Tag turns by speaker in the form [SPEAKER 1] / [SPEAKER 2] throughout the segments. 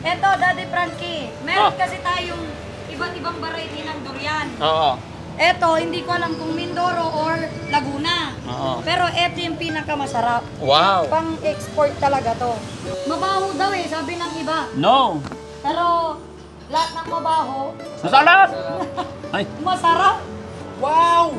[SPEAKER 1] Eto, Daddy Frankie, meron kasi tayong iba't ibang variety ng durian.
[SPEAKER 2] Oo.
[SPEAKER 1] Eto, hindi ko alam kung Mindoro or Laguna.
[SPEAKER 2] Oo.
[SPEAKER 1] Pero eto yung pinakamasarap.
[SPEAKER 2] Wow.
[SPEAKER 1] Pang-export talaga to. Mabaho daw eh, sabi ng iba.
[SPEAKER 2] No.
[SPEAKER 1] Pero lahat ng mabaho,
[SPEAKER 2] Masarap! Ay.
[SPEAKER 1] masarap.
[SPEAKER 3] Wow!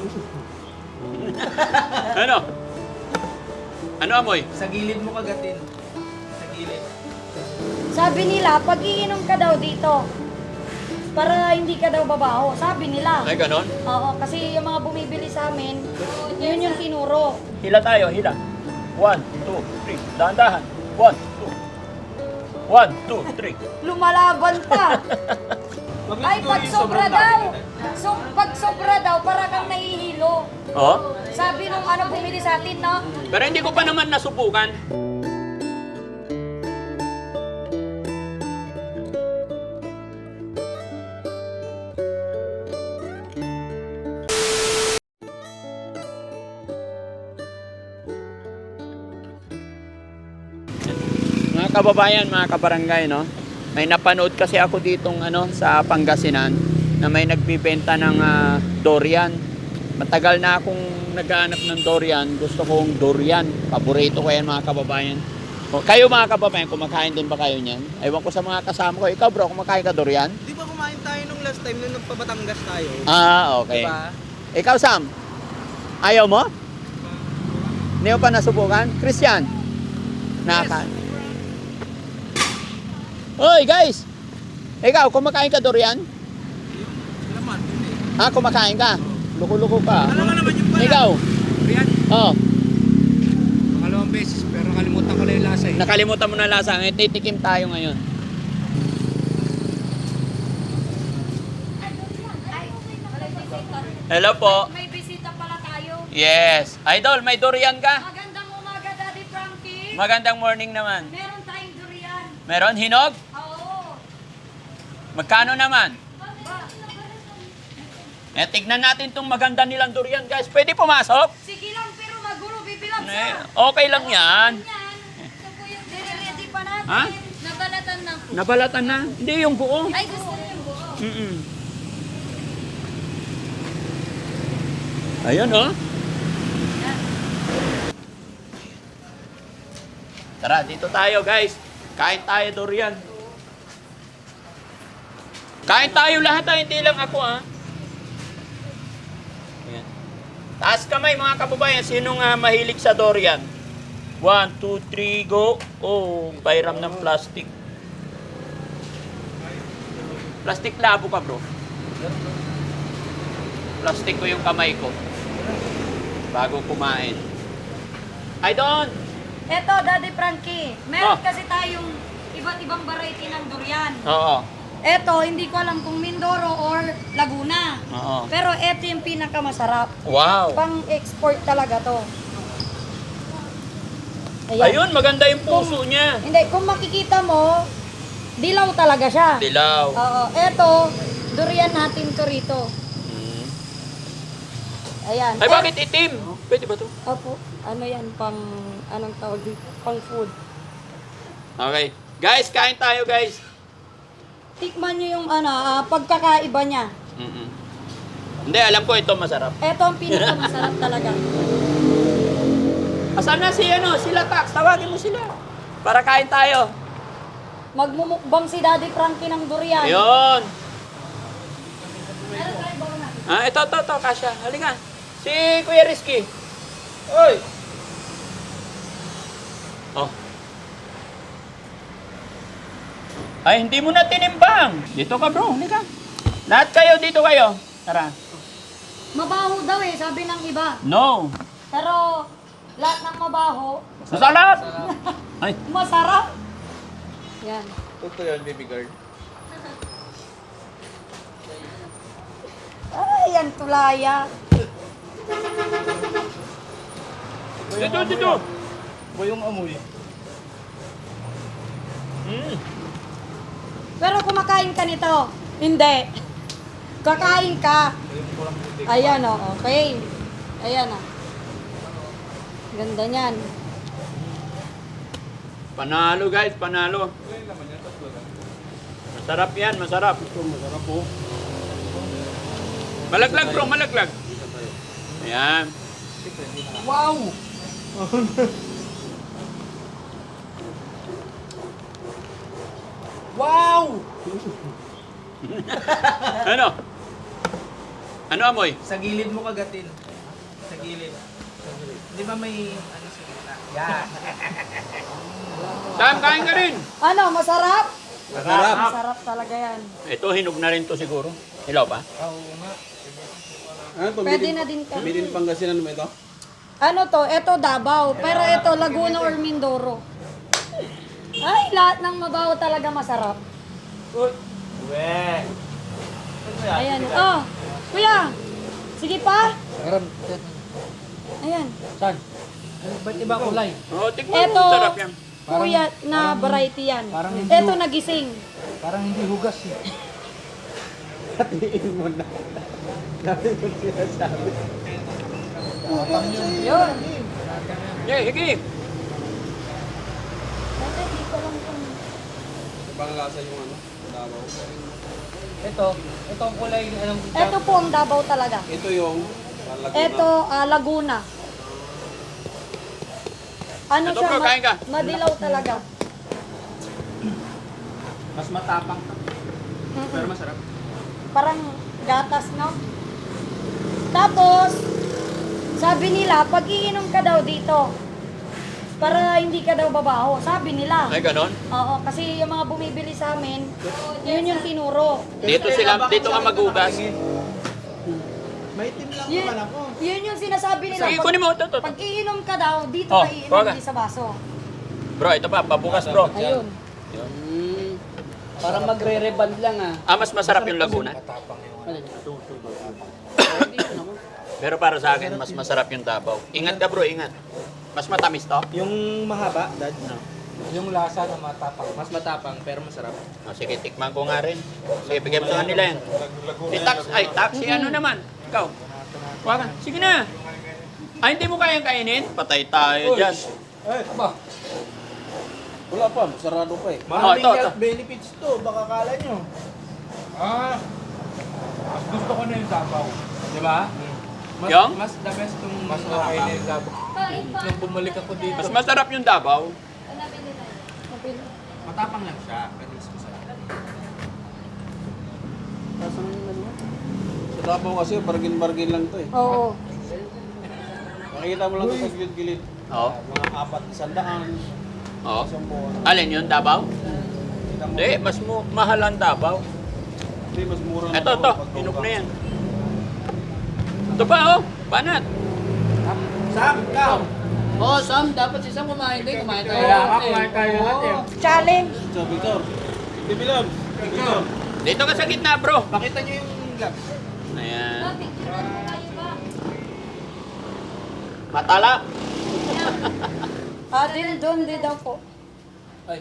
[SPEAKER 2] Ano? Ano amoy?
[SPEAKER 3] Sa gilid mo kagatin. Sa gilid.
[SPEAKER 1] Sabi nila, pag iinom ka daw dito, para hindi ka daw babaho. Sabi nila.
[SPEAKER 2] Ay, ganon?
[SPEAKER 1] Oo, kasi yung mga bumibili sa amin, yun yung tinuro.
[SPEAKER 2] Hila tayo, hila. 1, 2, 3. Dahan-dahan. 1, 2. 1, 2, 3.
[SPEAKER 1] Lumalaban pa. Ay, pag sobra daw. So, pag sobra daw, para kang nahihilo.
[SPEAKER 2] Oh?
[SPEAKER 1] Sabi nung ano bumili sa atin, no?
[SPEAKER 2] Pero hindi ko pa naman nasubukan. Mga kababayan, mga kabarangay, no? May napanood kasi ako ditong sa Pangasinan na may nagbibenta ng durian. Matagal na akong naghahanap ng durian. Gusto kong durian. Paborito ko yan, mga kababayan. O, kayo mga kababayan, kumakain din ba kayo niyan? Ewan ko sa mga kasama ko. Ikaw bro, kumakain ka durian?
[SPEAKER 3] Di ba kumain tayo nung last time nung nagpabatangas tayo?
[SPEAKER 2] Ah, okay.
[SPEAKER 3] Diba?
[SPEAKER 2] Ikaw Sam, ayaw mo? Hindi mo pa nasubukan? Christian? Nakakain? Hoy guys! Ikaw, kumakain ka durian?
[SPEAKER 3] Naman, hindi.
[SPEAKER 2] Ah, kumakain ka? Luko-luko ka.
[SPEAKER 3] Alam mo naman yung pala.
[SPEAKER 2] Ikaw?
[SPEAKER 3] Rian,
[SPEAKER 2] Oh,
[SPEAKER 3] pangalawang beses pero nakalimutan ko na yung lasa eh.
[SPEAKER 2] nakalimutan mo na lasa. Ngayon, titikim tayo ngayon. Hello po.
[SPEAKER 1] May bisita pala tayo.
[SPEAKER 2] Yes. Idol, may durian ka?
[SPEAKER 1] Magandang umaga, Daddy Frankie.
[SPEAKER 2] Magandang morning naman.
[SPEAKER 1] Meron tayong durian.
[SPEAKER 2] Meron hinog?
[SPEAKER 1] Oo.
[SPEAKER 2] Magkano naman?
[SPEAKER 1] Ba?
[SPEAKER 2] Tignan natin tong maganda nilang durian, guys. Pwede pumasok?
[SPEAKER 1] Sige lang, pero magulo, bibilang
[SPEAKER 2] Eh,
[SPEAKER 1] sa.
[SPEAKER 2] okay lang yan.
[SPEAKER 1] Ready pa natin.
[SPEAKER 2] Ha?
[SPEAKER 1] Nabalatan na po.
[SPEAKER 2] Nabalatan na? Hindi, yung buo.
[SPEAKER 1] Ay, gusto niyo yung buo.
[SPEAKER 2] Mm-mm. Ayun, oh. Tara, dito tayo, guys. Kain tayo durian. Kain tayo lahat, hindi lang ako, ha. Ayan. Taas kamay, mga kababayan. Sinong mahilig sa durian? 1, 2, 3, go. Oh, pairam ng plastic. Plastic labo ka, bro. Plastic ko yung kamay ko. Bago kumain. I don't.
[SPEAKER 1] Eto, Daddy Frankie, meron
[SPEAKER 2] Ah.
[SPEAKER 1] kasi tayong iba't ibang variety ng durian.
[SPEAKER 2] Oo.
[SPEAKER 1] Eto, hindi ko alam kung Mindoro or Laguna.
[SPEAKER 2] Oo.
[SPEAKER 1] Pero eto yung pinakamasarap.
[SPEAKER 2] Wow.
[SPEAKER 1] Pang-export talaga to.
[SPEAKER 2] Ayun, maganda yung puso niya.
[SPEAKER 1] Hindi, kung makikita mo, dilaw talaga siya.
[SPEAKER 2] Dilaw.
[SPEAKER 1] Oo, eto, durian natin to rito.
[SPEAKER 2] Mm.
[SPEAKER 1] Ayan.
[SPEAKER 2] Ay, bakit itim? Pwede ba to?
[SPEAKER 1] Opo, ano yan, anong tawag dito? Pang food.
[SPEAKER 2] Okay. Guys, kain tayo, guys.
[SPEAKER 1] Tikman nyo yung pagkakaiba niya.
[SPEAKER 2] Mm-mm. Hindi, alam ko ito masarap.
[SPEAKER 1] Eto ang pinakamasarap talaga.
[SPEAKER 2] Asan na sila Tax? Tawagin mo sila. Para kain tayo.
[SPEAKER 1] Magmumukbang si Daddy Frankie ng durian.
[SPEAKER 2] Ayun.
[SPEAKER 1] Ano tayo ba na?
[SPEAKER 2] Ah, ito, Kasha. Halika. Si Kuya Rizky. Oy. Oh. Ay, hindi mo na tinimbang. Dito ka, bro. Halika. Lahat kayo, dito kayo. Tara.
[SPEAKER 1] Mabaho daw eh, sabi ng iba.
[SPEAKER 2] No.
[SPEAKER 1] Pero lahat ng mabaho,
[SPEAKER 2] Masarap. Ay.
[SPEAKER 1] masarap. Yan.
[SPEAKER 3] Ito yun, baby girl.
[SPEAKER 1] Ay, yan tulaya.
[SPEAKER 2] Dito.
[SPEAKER 3] Ba yung amoy?
[SPEAKER 2] Mm.
[SPEAKER 1] Pero kumakain ka nito. Hindi. Kakain ka. Ayan o, okay. Ayan o. Ganda niyan.
[SPEAKER 2] Panalo, guys. Panalo. Sarap yan, masarap.
[SPEAKER 4] Ito, masarap po.
[SPEAKER 2] Malaglag bro, malaglag. Ayan.
[SPEAKER 3] Wow! Wow!
[SPEAKER 2] Ano? Ano amoy?
[SPEAKER 3] Sa gilid mo kagatin. Sa gilid. Di ba may ano sa gitna? Yan.
[SPEAKER 2] Sam, kain ka rin.
[SPEAKER 1] Ano, masarap?
[SPEAKER 4] Masarap.
[SPEAKER 1] Masarap talaga yan.
[SPEAKER 2] Ito, hinog na rin to siguro. Hilaw pa?
[SPEAKER 3] Oo nga.
[SPEAKER 4] Ano to?
[SPEAKER 1] Pwede na din kami.
[SPEAKER 4] Made in Pangasinan mo ito?
[SPEAKER 1] Ano to? Ito Davao. Pero ito Laguna or Mindoro. Ay, lahat ng mabaho talaga masarap.
[SPEAKER 3] We.
[SPEAKER 1] Ayan. Oh, kuya. Sige pa.
[SPEAKER 3] Meron.
[SPEAKER 1] Ayan.
[SPEAKER 3] Saan? Ba't iba kulay?
[SPEAKER 2] Oo, tikman
[SPEAKER 1] Ito,
[SPEAKER 2] mo. Sarap yan.
[SPEAKER 1] kuya na variety yan.
[SPEAKER 3] parang hindi-
[SPEAKER 1] Ito nagising.
[SPEAKER 3] Parang hindi hugas eh.
[SPEAKER 4] Hatiin mo na. Dami ko sinasabi.
[SPEAKER 1] Yun.
[SPEAKER 2] Yeah, higi.
[SPEAKER 4] Ibang lasa yung ano, Davao.
[SPEAKER 3] Ito ang kulay anong
[SPEAKER 1] Ito po ang Davao talaga.
[SPEAKER 4] Ito yung Laguna.
[SPEAKER 1] Ito, Laguna. Ano
[SPEAKER 2] Ito,
[SPEAKER 1] siya?
[SPEAKER 2] bro, kain ka.
[SPEAKER 1] Madilaw talaga.
[SPEAKER 3] mas matapang.
[SPEAKER 1] Mm-mm.
[SPEAKER 3] Masarap.
[SPEAKER 1] Parang gatas, no? Tapos, sabi nila, pag iinom ka daw dito, para hindi ka daw babaho. Sabi nila.
[SPEAKER 2] Ay, ganon.
[SPEAKER 1] Oo, kasi yung mga bumibili sa amin, yun yung tinuro.
[SPEAKER 2] Dito ka magugas.
[SPEAKER 3] Maitim lang
[SPEAKER 1] Yun, yun yung sinasabi nila.
[SPEAKER 2] Sige, kunin mo. Ito.
[SPEAKER 1] Pag iinom ka daw, dito
[SPEAKER 2] Oh,
[SPEAKER 1] ka iinom,
[SPEAKER 2] kuha ka.
[SPEAKER 1] hindi sa baso.
[SPEAKER 2] Bro, ito pa. Pabukas, bro.
[SPEAKER 1] Ayun.
[SPEAKER 3] Parang magre-reband lang ah.
[SPEAKER 2] Ah, mas masarap yung Laguna. Pero para sa akin, mas masarap yung Davao. Ingat ka, bro. Ingat. Mas matamis to.
[SPEAKER 3] Yung mahaba, dad. No. Yung lasa na matapang. Mas matapang pero masarap.
[SPEAKER 2] Oh, sige, tikman ko nga rin. Sige, bigyan mo sa kanila yan. Si taxi, ano naman? Ikaw. Kuha ka. Sige na. Ay, hindi mo kayang kainin? Patay tayo dyan.
[SPEAKER 3] Aba,
[SPEAKER 4] Wala pa, sarado pa eh.
[SPEAKER 2] Maraming
[SPEAKER 3] health benefits to. Baka kala nyo. Mas gusto ko na yung Davao. Di ba?
[SPEAKER 2] Yung?
[SPEAKER 3] Mas the best yung mas okay na yung Davao. Nung bumalik ako dito.
[SPEAKER 2] Mas masarap yung Davao.
[SPEAKER 3] Matapang lang siya. Pero mas masarap.
[SPEAKER 4] Sa Davao kasi, bargain-bargain lang to eh.
[SPEAKER 1] Oo.
[SPEAKER 4] Makikita mo lang ito sa gilid-gilid.
[SPEAKER 2] Oo.
[SPEAKER 4] Mga 400,
[SPEAKER 2] Oo.
[SPEAKER 4] 10.
[SPEAKER 2] Alin yun, Davao?
[SPEAKER 4] Kita mo.
[SPEAKER 2] Hindi, mas mahal ang Davao.
[SPEAKER 4] Hindi, mas mura na
[SPEAKER 2] Ito,
[SPEAKER 4] to,
[SPEAKER 2] ito.
[SPEAKER 4] pag
[SPEAKER 2] Hinog
[SPEAKER 4] ka.
[SPEAKER 2] na yan. Ito pa, oh. Banat.
[SPEAKER 3] Sam, ikaw!
[SPEAKER 5] Oo, Sam, dapat si Sam kumain din. Kumain tayo.
[SPEAKER 3] Kaya nga, kumain tayo lahat eh.
[SPEAKER 1] Challenge.
[SPEAKER 4] So, Victor. Hindi, Bilab. Victor.
[SPEAKER 2] Dito ka sa gitna, bro.
[SPEAKER 3] Pakita nyo yung lab.
[SPEAKER 2] Ayan. Matala.
[SPEAKER 1] Doon din daw po.
[SPEAKER 3] Ay.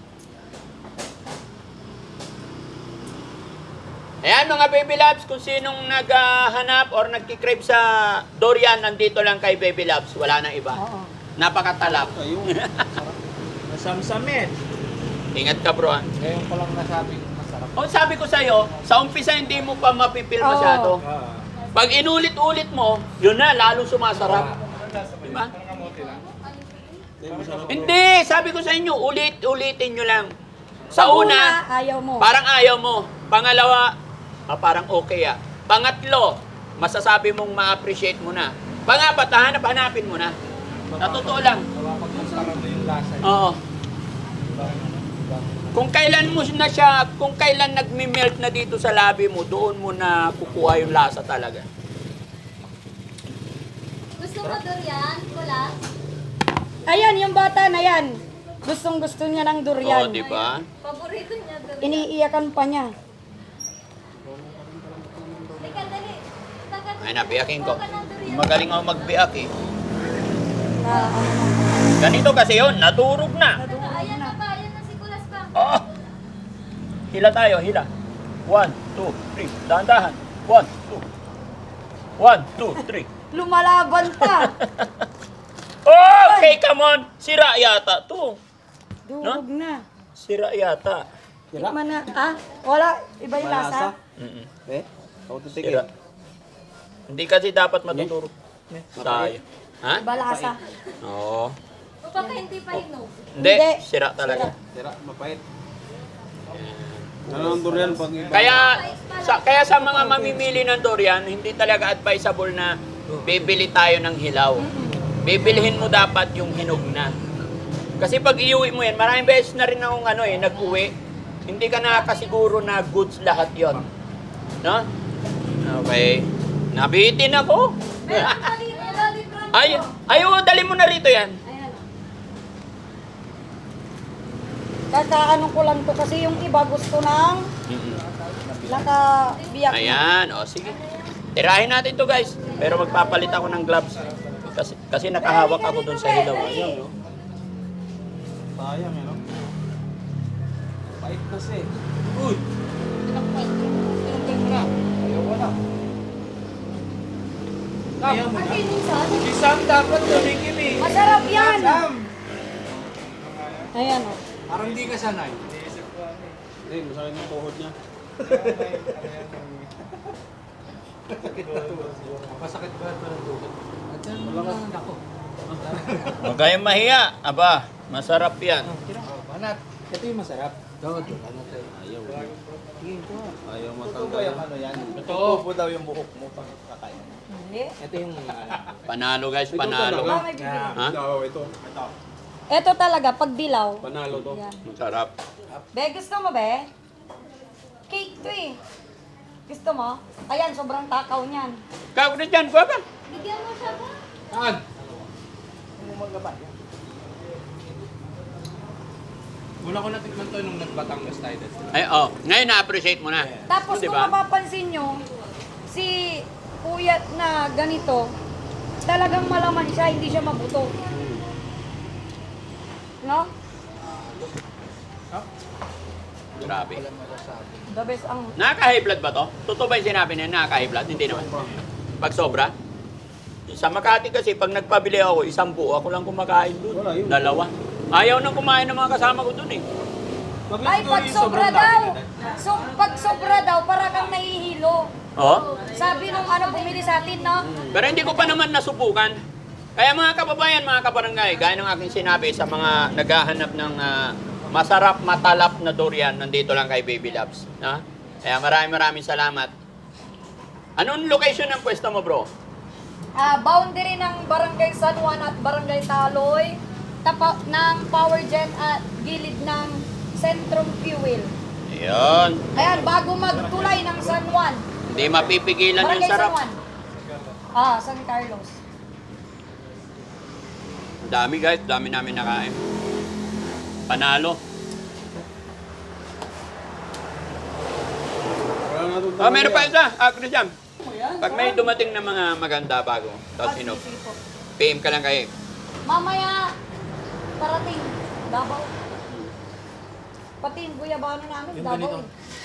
[SPEAKER 2] Ayan mga Baby Labs, kung sinong naghahanap or nagkikrave sa durian, nandito lang kay Baby Labs. Wala nang iba.
[SPEAKER 1] Oo.
[SPEAKER 2] Napakatalap.
[SPEAKER 4] Ayun.
[SPEAKER 3] Nasamsamin.
[SPEAKER 2] Ingat ka bro. ah.
[SPEAKER 3] Ngayon ko lang nasabing masarap.
[SPEAKER 2] O sabi ko sa'yo, sa umpisa hindi mo pa mapipil
[SPEAKER 1] Oo.
[SPEAKER 2] masyado. Pag inulit-ulit mo, yun na, lalong sumasarap. Diba?
[SPEAKER 4] Hindi, masarap.
[SPEAKER 2] Hindi, sabi ko sa inyo, ulit-ulitin nyo lang. Sa una,
[SPEAKER 1] ayaw mo.
[SPEAKER 2] parang ayaw mo. Pangalawa, parang okay ah. Pangatlo, masasabi mong ma-appreciate mo na. Pangapat, hanapin mo na. Sa totoo lang.
[SPEAKER 3] Napapagmasarap mo yung lasa.
[SPEAKER 2] Oo. Kung kailan mo na siya, kung kailan nagme-melt na dito sa labi mo, doon mo na kukuha yung lasa talaga.
[SPEAKER 6] Gusto mo durian, kulas?
[SPEAKER 1] Ayan, yung bata na yan. Gustong gusto niya ng durian.
[SPEAKER 2] Oo, di ba?
[SPEAKER 6] Paborito niya durian.
[SPEAKER 1] Iniiyakan pa niya.
[SPEAKER 6] Teka, dali. Tagat-
[SPEAKER 2] Ay, nabiyakin ko.
[SPEAKER 6] Kuha ka ng durian.
[SPEAKER 2] Magaling ako magbiyak eh.
[SPEAKER 1] Ano na.
[SPEAKER 2] Ganito kasi yun, naturog na.
[SPEAKER 6] Ano, ayan na pa, ayan na si kulas pa.
[SPEAKER 2] Oh! Hila tayo, hila. 1, 2, 3. Dahan-dahan. 1, 2. 1, 2, 3.
[SPEAKER 1] Lumalaban pa.
[SPEAKER 2] Okay, come on. Sira yata to.
[SPEAKER 1] Durog na.
[SPEAKER 2] Sira yata.
[SPEAKER 1] Tikman na. Ah, wala. Iba yung lasa.
[SPEAKER 2] Mm-mm.
[SPEAKER 4] Eh? Ako titikin.
[SPEAKER 2] Sira. Hindi kasi dapat matuturo. Tayo. Ha?
[SPEAKER 1] Iba lasa.
[SPEAKER 2] Oo.
[SPEAKER 6] O baka hindi pa hinog.
[SPEAKER 2] Hindi,
[SPEAKER 1] Hindi.
[SPEAKER 2] sira talaga.
[SPEAKER 4] Tira, mapait. Ano ang durian pag iba?
[SPEAKER 2] Kaya sa mga mamimili ng durian, hindi talaga advisable na bibili tayo ng hilaw. Bibilihin mo dapat yung hinog na. Kasi pag iuwi mo yan, maraming beses na rin akong nag-uwi. Hindi ka nakakasiguro na goods lahat yon, no? Okay. Nabitin ako.
[SPEAKER 6] Meron pa dito, Loli Franco.
[SPEAKER 2] Ayaw, dali mo na rito yan.
[SPEAKER 6] Ayan.
[SPEAKER 1] Kakaano ko lang to kasi yung iba gusto ng nakabiyak na.
[SPEAKER 2] Ayan, o sige. Tirahin natin to guys. Pero magpapalit ako ng gloves. Kasi nakahawak ako doon sa hilaw. Ayun, no?
[SPEAKER 4] Sayang, no? Pait kasi. Uy! Ayaw ko na.
[SPEAKER 3] Ayaw mo na.
[SPEAKER 6] Ay, minsan.
[SPEAKER 3] Si Sam dapat tumikim eh.
[SPEAKER 1] Masarap yan.
[SPEAKER 3] Sam!
[SPEAKER 1] Ayan o.
[SPEAKER 5] Parang hindi ka sanay.
[SPEAKER 4] Hindi, masakit yung tuhod niya.
[SPEAKER 5] Masakit ba ito ng tuhod? Ako.
[SPEAKER 2] Huwag kayong mahiya. Aba, masarap yan.
[SPEAKER 5] Banat. Ito yung masarap. Ito, banat eh.
[SPEAKER 4] Ayaw. Ayaw
[SPEAKER 3] Totoo
[SPEAKER 4] matanggal.
[SPEAKER 3] yung ano yan?
[SPEAKER 5] Totoo.
[SPEAKER 3] Totoo daw yung buhok mo pag kakain.
[SPEAKER 1] Hindi.
[SPEAKER 5] Ito yung
[SPEAKER 2] Panalo guys, panalo.
[SPEAKER 1] Ba, may bibili.
[SPEAKER 2] Ha?
[SPEAKER 4] Ito.
[SPEAKER 1] Ito talaga, pag dilaw.
[SPEAKER 4] Panalo to.
[SPEAKER 1] Yan.
[SPEAKER 2] Masarap.
[SPEAKER 1] Be, gusto mo be? Cake to eh. Gusto mo? Ayan, sobrang takaw niyan.
[SPEAKER 2] Kagulit yan, kuha ka.
[SPEAKER 6] Bigyan mo siya ba?
[SPEAKER 5] Saan?
[SPEAKER 3] Una ko natikman to nung nagbatangas tayo.
[SPEAKER 2] Ay, ngayon na-appreciate mo na.
[SPEAKER 1] Tapos
[SPEAKER 2] Di
[SPEAKER 1] kung
[SPEAKER 2] ba?
[SPEAKER 1] mapapansin nyo, si kuya na ganito, talagang malaman siya, hindi siya mabuto. No?
[SPEAKER 2] Grabe.
[SPEAKER 1] The best ang...
[SPEAKER 2] Nakaka-high blood ba to? Totoo ba yung sinabi niya nakaka-high blood? Hindi naman. Pag sobra? Sa Makati kasi, pag nagpabili ako, 1 buo, ako lang kumakain doon.
[SPEAKER 4] Wala, yun.
[SPEAKER 2] 2. Ayaw nang kumain ng mga kasama ko doon eh.
[SPEAKER 1] Ay, pag sobra daw! So, pag sobra daw, para kang nahihilo.
[SPEAKER 2] Oh?
[SPEAKER 1] Sabi nung bumili sa atin, no?
[SPEAKER 2] Pero hindi ko pa naman nasubukan. Kaya mga kababayan, mga kabarangay, gaya ng aking sinabi sa mga naghahanap ng masarap, matalap na durian, nandito lang kay Baby Loves. Na? Kaya maraming salamat. Anong location ng pwesto mo, bro?
[SPEAKER 1] Boundary ng Barangay San Juan at Barangay Taloy, tapat ng Power Gen at gilid ng Centrum Fuel.
[SPEAKER 2] Ayun.
[SPEAKER 1] Ayan, bago magtulay ng San Juan.
[SPEAKER 2] Hindi mapipigilan yung
[SPEAKER 1] Barangay San
[SPEAKER 2] sarap.
[SPEAKER 1] Juan. San Carlos.
[SPEAKER 2] Dami guys, dami namin nakain. Panalo.
[SPEAKER 4] Wala na itong
[SPEAKER 2] Meron pa isa, Christian. Pag may dumating na mga maganda bago, tapos PM ka lang kayo.
[SPEAKER 1] Mamaya, parating. Davao. Pati yung guyabano namin, Davao.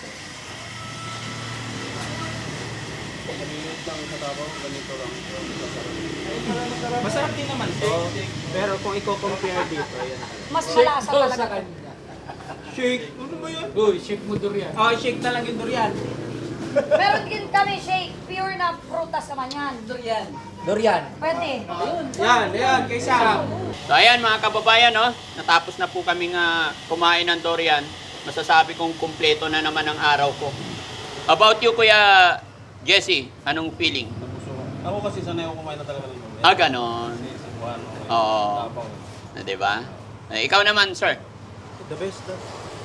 [SPEAKER 4] Maliit lang sa tabaw, ganito lang.
[SPEAKER 3] Masarap din naman to. Pero kung i-compare dito, yan.
[SPEAKER 1] Mas malasa talaga.
[SPEAKER 3] Shake! Ano ba yan?
[SPEAKER 5] Uy, shake mo durian.
[SPEAKER 3] Oh, shake na lang yung durian.
[SPEAKER 1] Meron din kami shake, pure na prutas naman yan.
[SPEAKER 5] Durian.
[SPEAKER 1] Pwede.
[SPEAKER 3] Yan, kay Sam.
[SPEAKER 2] So ayan mga kababayan, no? Natapos na po kaming kumain ng durian. Masasabi kong kumpleto na naman ang araw ko. About you, Kuya Jesse, anong feeling?
[SPEAKER 4] Ako kasi sanay ako kumain na talaga ng durian.
[SPEAKER 2] Ganon.
[SPEAKER 4] Kasi Cebuano.
[SPEAKER 2] Oo.
[SPEAKER 4] Tabaw.
[SPEAKER 2] Diba? Ikaw naman, sir.
[SPEAKER 3] The best daw.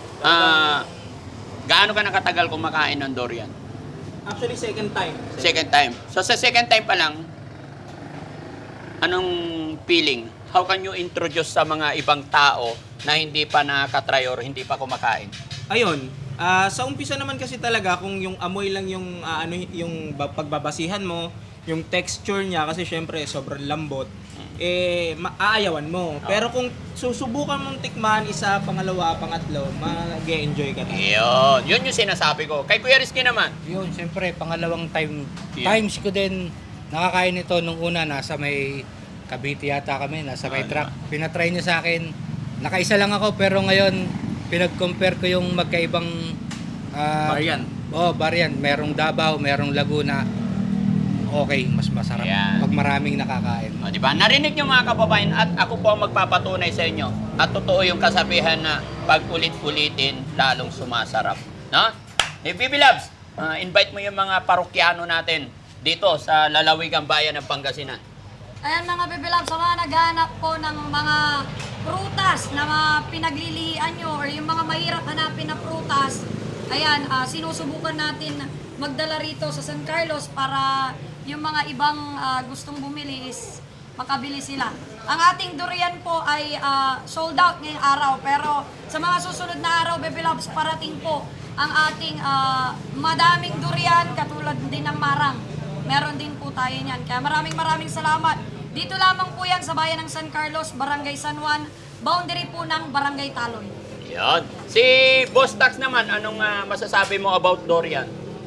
[SPEAKER 2] Gaano ka nakatagal kumakain ng durian?
[SPEAKER 3] Actually, second time.
[SPEAKER 2] Second time. So sa second time pa lang, anong feeling? How can you introduce sa mga ibang tao na hindi pa nakatry or hindi pa kumakain?
[SPEAKER 3] Ayun, sa umpisa naman kasi talaga kung yung amoy lang yung yung pagbabasihan mo, yung texture niya kasi syempre sobrang lambot, aayawan mo. Pero kung susubukan mong tikman isa, pangalawa, pangatlo, mag-enjoy ka na.
[SPEAKER 2] Yun yung sinasabi ko. Kay Kuya Rizky naman.
[SPEAKER 5] Yun, siyempre, pangalawang
[SPEAKER 2] Yeah.
[SPEAKER 5] times ko din nakakain ito nung una, nasa may Cavite yata kami, nasa may truck. Pinatry niya sa akin, nakaisa lang ako, pero ngayon, pinag-compare ko yung magkaibang
[SPEAKER 3] Variant.
[SPEAKER 5] variant. Merong Davao, merong Laguna. Okay, mas masarap
[SPEAKER 2] Ayan.
[SPEAKER 5] pag maraming nakakain.
[SPEAKER 2] O, di ba? Narinig niyo mga kababayan at ako po ang magpapatunay sa inyo. At totoo yung kasabihan na pag ulit-ulitin, lalong sumasarap. No? Baby Loves, invite mo yung mga parokyano natin dito sa lalawigang bayan ng Pangasinan.
[SPEAKER 1] Ayan mga bibilab, sa mga naghahanap po ng mga prutas na mga pinaglilihian nyo or yung mga mahirap hanapin na prutas, ayan, sinusubukan natin magdala rito sa San Carlos para yung mga ibang gustong bumili is makabili sila. Ang ating durian po ay sold out ngayong araw, pero sa mga susunod na araw, bibilabs, parating po ang ating madaming durian katulad din ng marang. Meron din po tayo niyan. Kaya maraming salamat. Dito lamang po yan sa bayan ng San Carlos, Barangay San Juan, boundary po ng Barangay Taloy.
[SPEAKER 2] Yan. Si Boss Tax naman, anong masasabi mo about durian?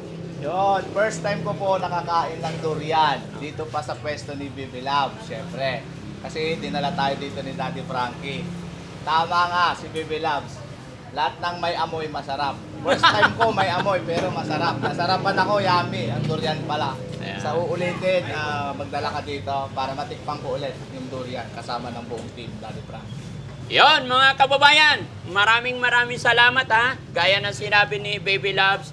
[SPEAKER 7] Yun, first time ko po nakakain ng durian dito pa sa pwesto ni Bibi Love, syempre. Kasi dinala tayo dito ni Daddy Frankie. Tama nga si Bibi Loves. Lahat ng may amoy masarap. First time ko may amoy pero masarap. Nasarapan ako, yummy. Ang durian pala.
[SPEAKER 2] Ayan.
[SPEAKER 7] Sa uulitin, magdala ka dito para matikpang ko ulit yung durian kasama ng buong team Daddy Frankie.
[SPEAKER 2] Yon mga kababayan, maraming salamat ha. Gaya ng sinabi ni Baby Loves,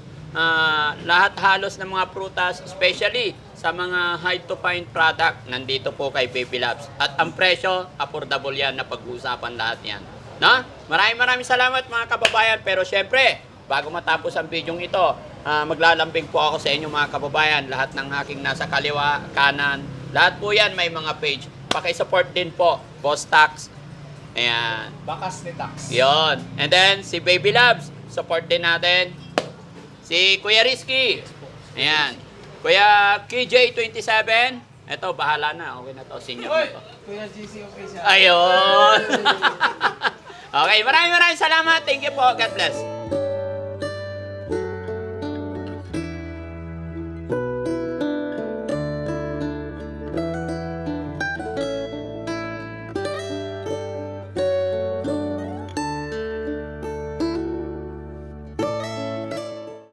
[SPEAKER 2] lahat halos ng mga prutas, especially sa mga high to fine product, nandito po kay Baby Loves. At ang presyo, affordable yan na pag-uusapan lahat yan. No? Maraming salamat mga kababayan. Pero syempre, bago matapos ang video ito, maglalambing po ako sa inyo mga kababayan. Lahat ng aking nasa kaliwa, kanan, lahat po yan may mga page. Pakisupport din po, Boss Tax. Ayan.
[SPEAKER 7] Bakas ni Tax.
[SPEAKER 2] Yon. And then, si Baby Loves, support din natin. Si Kuya Rizky. Ayan. Kuya KJ27. Ito, bahala na. Okay na to. Senior na to.
[SPEAKER 4] Kuya GC, okay siya.
[SPEAKER 2] Ayun. Okay, maraming salamat. Thank you po. God bless.